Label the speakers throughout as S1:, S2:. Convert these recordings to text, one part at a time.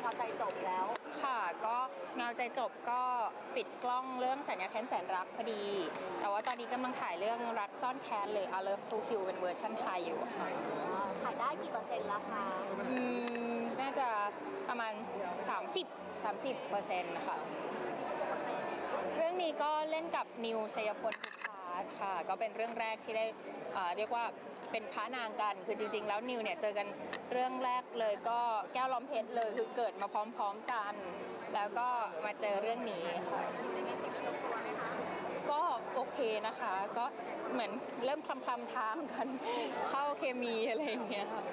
S1: อใจจบแล้ว
S2: ค่ะก็เงาใจจบก็ปิดกล้องเรื่องสัญญาแค้นแสนรักพอดีแต่ว่าตอนนี้กำลังถ่ายเรื่องรักซ่อนแค้นเลย I Love to Kill เป็นเวอร์ชันไทยอยู่ค่ะ
S1: ถ่ายได้กี่เปอร์เซ็นต์แล้วคะ
S2: น่าจะประมาณ30%นะคะเรื่องนี้ก็เล่นกับนิวชัยพลภูพาร์ทค่ะก็เป็นเรื่องแรกที่ได้เรียกว่าเป็นพระนางกันคือจริงๆแล้วนิวเนี่ยเจอกันเรื่องแรกเลยก็แก้วล้อมเพชรเลยคือเกิดมาพร้อมๆกันแล้วก็มาเจอเรื่องนี้ค่ะก็โอเคนะคะก็เหมือนเริ่มคลำทางกันเข้าเคมีอะไรอย่างเงี้ยค่ะ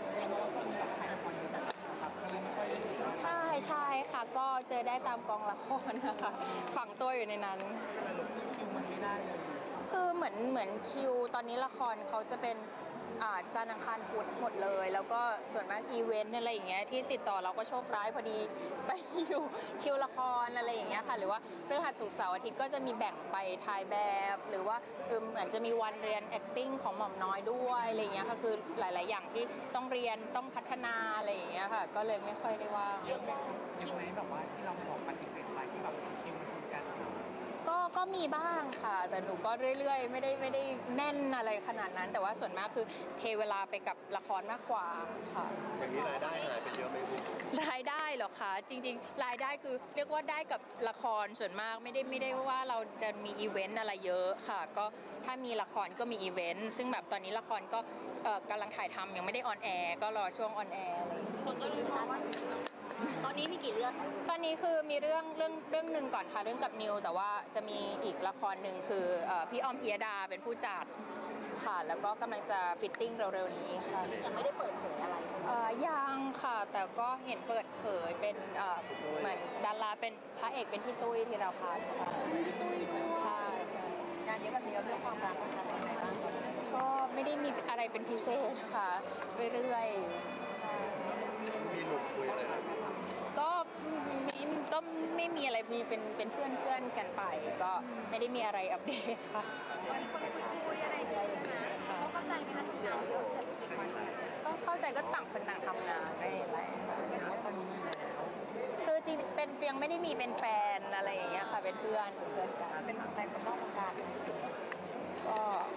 S2: ใช่ค่ะก็เจอได้ตามกองละครนะคะฝังตัวอยู่ในนั้น
S3: คิวมันไม่ได้เลย
S2: คือเหมือนคิวตอนนี้ละครเขาจะเป็นจันทร์อังคารพุธหมดเลยแล้วก็ส่วนมากอีเวนต์อะไรอย่างเงี้ยที่ติดต่อเราก็โชคร้ายพอดีไปอยู่คิวละครอะไรอย่างเงี้ยค่ะหรือว่าพฤหัสศุกร์เสาร์อาทิตย์ก็จะมีแบ่งไปถ่ายแบบหรือว่าเหมือนจะมีวันเรียน acting ของหม่อมน้อยด้วยอะไรอย่างเงี้ยค่ะคือหลายๆอย่างที่ต้องเรียนต้องพัฒนาอะไรอย่างเงี้ยค่ะก็เลยไม่ค่อยได้ว่าง
S3: ยังไงแบบว่าที่เราบอกปฏิเสธไปที่แบบคิวมันชนกัน
S2: ก็มีบ้างค่ะแต่หนูก็เรื่อยๆไม่ได้แน่นอะไรขนาดนั้นแต่ว่าส่วนมากคือเทเวลาไปกับละครมากกว่าค่ะ
S4: อย่างนี้รายได้หายไปเยอะไหมคุณ
S2: รายได้เหรอคะจริงๆรายได้คือเรียกว่าได้กับละครส่วนมากไม่ได้ว่าเราจะมีอีเวนต์อะไรเยอะค่ะก็ถ้ามีละครก็มีอีเวนต์ซึ่งแบบตอนนี้ละครก็กำลังถ่ายทำยังไม่ได้ออนแอร์ก็รอช่วงออนแอร์อะไร
S1: คนก็เลยบอกว่าตอนนี้มีกี่เรื่อง
S2: ตอนนี้คือมีเรื่องหนึ่งก่อนค่ะเรื่องกับนิวแต่ว่าจะมีอีกละครหนึ่งคือพี่อ้อมพิยดาเป็นผู้จัดค่ะแล้วก็กำลังจะฟิตติ้งเร็วๆนี้ค่ะ
S1: ยังไม่ได้เปิดเผยอะไร
S2: ยังค่ะแต่ก็เห็นเปิดเผยเป็นเหมือนดาราเป็นพระเอกเป็นพี่ตุ้ยธีรพัฒน์ค่ะ
S1: พี่ตุ้ยด้วย
S2: ใช่
S1: งานนี้แบบนี้เราเรื่องความรักมันจะเป็นยังไงบ้าง
S2: ก็ไม่ได้มีอะไรเป็นพิเศษค่ะเรื่อย
S4: ๆมีหนุ่มคุยอะไร
S2: ก็ไม่มีอะไรมีเป็นเพื่อนกันไปก็ไม่ได้มีอะไรอัปเดตค่ะ
S1: ก็มีคนคุยอะไรอย่างเงี้ยใช่ไหมเขาเข้าใจไหมคะทำงานเยอะแต่จริงๆวัน
S2: ก็เข้าใจก็ต่างคนต่างทำงานไม่อะไร
S3: ตอนนี้มีแล้ว
S2: คือจริงเป็นยังไม่ได้มีเป็นแฟนอะไรอย่างเงี้ยค่ะเป็นเพื่อนกัน
S1: เป็นแฟนคนนอกวงการ
S2: ก็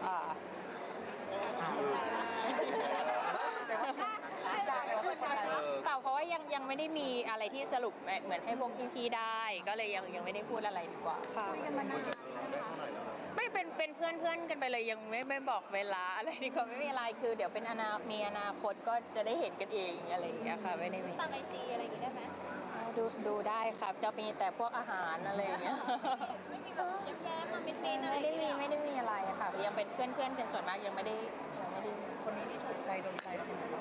S2: เปล่าเพราะว่ายังไม่ได้มีอะไรที่สรุปเหมือนให้พวกพี่ๆได้ก็เลยยังไม่ได้พูดอะไรดีกว่า
S1: คุยกันมานาน
S2: ไม่เป็นเพื่อนกันไปเลยยังไม่บอกเวลาอะไรดีกว่าไม่มีอะไรคือเดี๋ยวเป็นมีอนาคตก็จะได้เห็นกันเองอะไรอย่างเงี้ยค่ะไม่ได้มี
S1: ตามIGอะไรอย่างงี้ได้ไหม
S2: ดูได้ครับจะมีแต่พวกอาหารอะไรอย่างเงี้ย
S1: ไม่มีแบบแย้มๆมาเป็นอะไร
S2: ไม่ได้มีอะไรค่ะยังเป็นเพื่อนกันส่วนมากยังไม่ได้
S1: คนนี้ที่ถูกใจโดนใจเราเป็นยังไง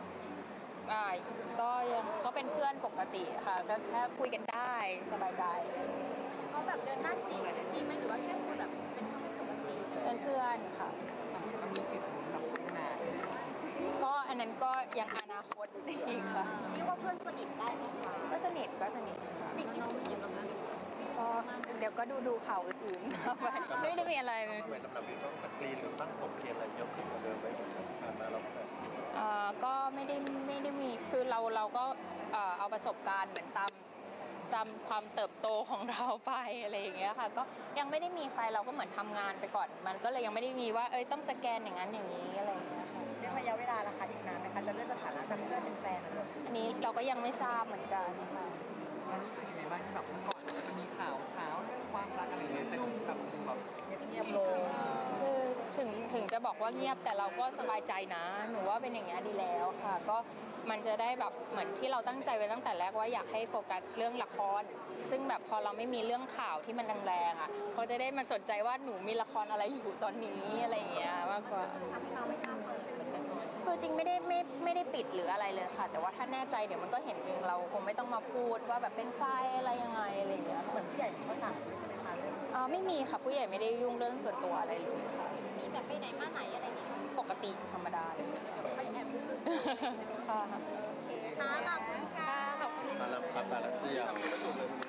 S2: ก็เป็นเพื่อนปกติค่ะก็แค่คุยกันได้สบายใจ
S1: เขาแบบเดินหน้าจีบดีไหมหรือว่าแค่คุยแบบเป็นปกติ
S2: เป็นเพื่อนค่ะ
S3: มันมีสิทธิ์แบบพัฒนา
S2: ก็อันนั้นก็ยังอนาคตอีกค่ะ
S1: เรียกว่าเพื่อนสนิทได้ไหมคะ
S2: ก็สนิท
S1: ที่สุด
S2: ก็เดี๋ยวก็ดูข่าวอื่นๆไม่ได้มีอะไร
S4: ทำไมสำหรับพี่ต้องสกรีนหรือตั้งผมเทียนอะไรเยอะขึ้นกว่าเดิมไหมผ่านมาเรา
S2: ก็ไม่ได้มีคือเราก็เอาประสบการณ์เหมือนตามความเติบโตของเราไปอะไรอย่างเงี้ยค่ะก็ยังไม่ได้มีใครเราก็เหมือนทำงานไปก่อนมันก็เลยยังไม่ได้มีว่าต้องสแกนอย่างนั้นอย่างนี้อะไรอย่างเงี้ยค่ะ
S1: เรื่องระยะเวลาล่ะคะอีกนานไหมคะจะเลื่อนสถานะจากเพื่อนเป็นแฟนอะไร
S2: อันนี้เราก็ยังไม่ทราบเหมือนกันค่ะ
S3: รู้สึกยังไงบ้างที่แบบเมื่อก่อนจะมีข่าวเช้าเรื่องความรักอะไรอย่างเงี้ยแต่แบบ
S1: เงียบลง
S2: คือถึงจะบอกว่าเงียบแต่เราก็สบายใจนะหนูว่าเป็นอย่างเงี้ยดีแล้วค่ะก็มันจะได้แบบเหมือนที่เราตั้งใจไว้ตั้งแต่แรกว่าอยากให้โฟกัสเรื่องละครซึ่งแบบพอเราไม่มีเรื่องข่าวที่มันแรงๆอ่ะเขาจะได้มาสนใจว่าหนูมีละครอะไรอยู่ตอนนี้อะไรอย่างเงี้ยมากกว่าคือจริงไม่ได้ปิดหรืออะไรเลยค่ะแต่ว่าถ้าแน่ใจเดี๋ยวมันก็เห็นเองเราคงไม่ต้องมาพูดว่าแบบเป็นไฟอะไรยังไงอะไรอย่างเงี้ย
S1: เหมือนผู้ใหญ่เขาสั่งใช่ไหมคะ
S2: ไม่มีค่ะผู้ใหญ่ไม่ได้ยุ่งเรื่องส่วนตัวอะไรเลยค่ะ
S1: มีแบบไปไหนมาไหนอะไรอย่างเงี้ย
S2: ปกติธรรมดาเลย
S1: ไปแอบดู
S2: ค่ะ
S1: โอเคค่ะขอบคุณค่ะ
S4: ขอบคุณมาแล้วครับมาแล้วเสี่ย